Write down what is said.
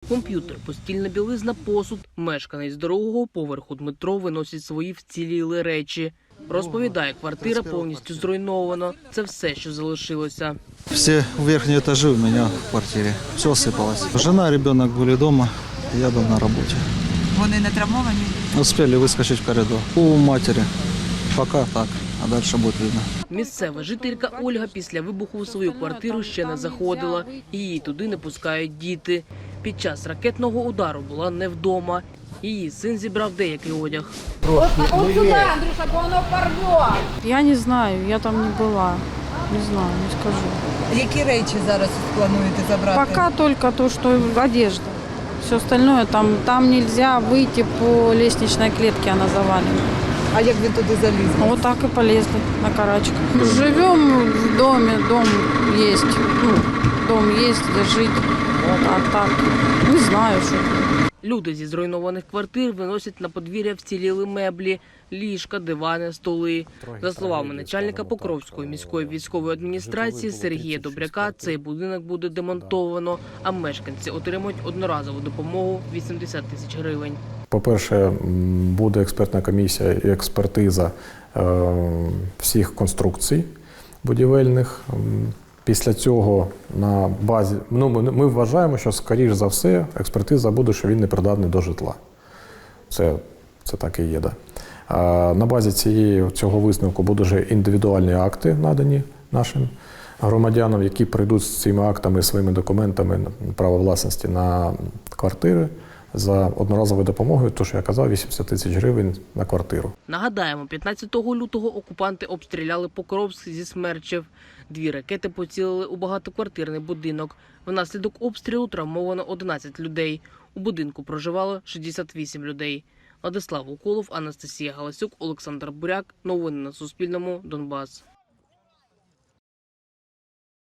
Комп'ютер, постільна білизна, посуд. Мешканець другого поверху Дмитро виносить свої вціліли речі. Розповідає, квартира повністю зруйнована. Це все, що залишилося. Все верхние этажи у меня в квартире. Все осыпалось. Жена и ребенок были дома, я был на работе. Вони не травмовані? Успели выскочить в коридор. У матери. Пока так, а дальше будет видно. Місцева жителька Ольга після вибуху у свою квартиру ще не заходила. І її туди не пускають діти. Під час ракетного удару була не вдома. Її син зібрав деякий одяг. Вот сюда, Андрюша, бо воно порвет. Я не знаю, я там не была. Не знаю, не скажу. Які речі зараз плануєте забрати? Пока только то, что одежда. Все остальное там нельзя выйти по лестничной клетке, она завалена. А як він туди заліз? Вот так и полезли на карачках. Живем в доме, дом есть. Ну, дом есть, где жить. А так, не знаю, что. Люди зі зруйнованих квартир виносять на подвір'я вціліли меблі, ліжка, дивани, столи. За словами начальника Покровської міської військової адміністрації Сергія Добряка, цей будинок буде демонтовано, а мешканці отримують одноразову допомогу – 80 тисяч гривень. По-перше, буде експертна комісія і експертиза всіх конструкцій будівельних. Після цього на базі, ми вважаємо, що, скоріш за все, експертиза буде, що він не придатний до житла. Це так і є. Да. На базі цього висновку будуть вже індивідуальні акти надані нашим громадянам, які прийдуть з цими актами, своїми документами права власності на квартири за одноразовою допомогою, то, що я казав, 80 тисяч гривень на квартиру. Нагадаємо, 15 лютого окупанти обстріляли Покровськ зі смерчів. 2 ракети поцілили у багатоквартирний будинок. Внаслідок обстрілу травмовано 11 людей. У будинку проживало 68 людей. Владислав Уколов, Анастасія Галасюк, Олександр Буряк. Новини на Суспільному. Донбас.